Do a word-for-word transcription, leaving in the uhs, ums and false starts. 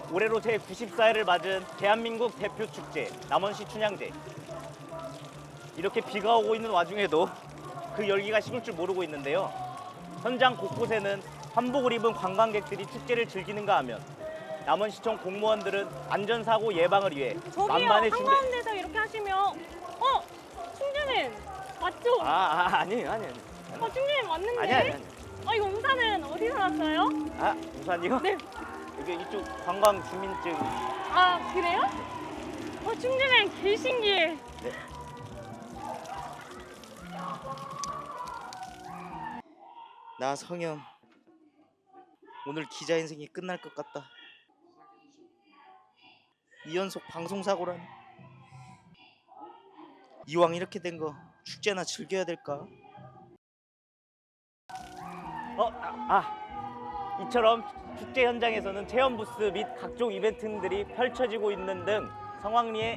올해로 제구십사 회를 맞은 대한민국 대표 축제 남원시 춘향제. 이렇게 비가 오고 있는 와중에도 그 열기가 식을 줄 모르고 있는데요. 현장 곳곳에는 한복을 입은 관광객들이 축제를 즐기는가 하면 남원시청 공무원들은 안전사고 예방을 위해 저기요, 만반의 준비. 한가운데서 이렇게 하시면 어? 충주는 맞죠? 아, 아 아니에요, 아니에요. 어, 충주는 맞는데? 아니 아니 아니. 어, 이거 우산은 어디서 났어요? 아, 우산이요? 네. 이게 이쪽 관광 주민증. 아, 그래요? 어, 충주는 개 신기해. 네. 나 성현 오늘 기자 인생이 끝날 것 같다. 이 연속 방송 사고라니. 이왕 이렇게 된 거 축제나 즐겨야 될까? 어, 아, 아. 이처럼 축제 현장에서는 체험 부스 및 각종 이벤트들이 펼쳐지고 있는 등 성황리에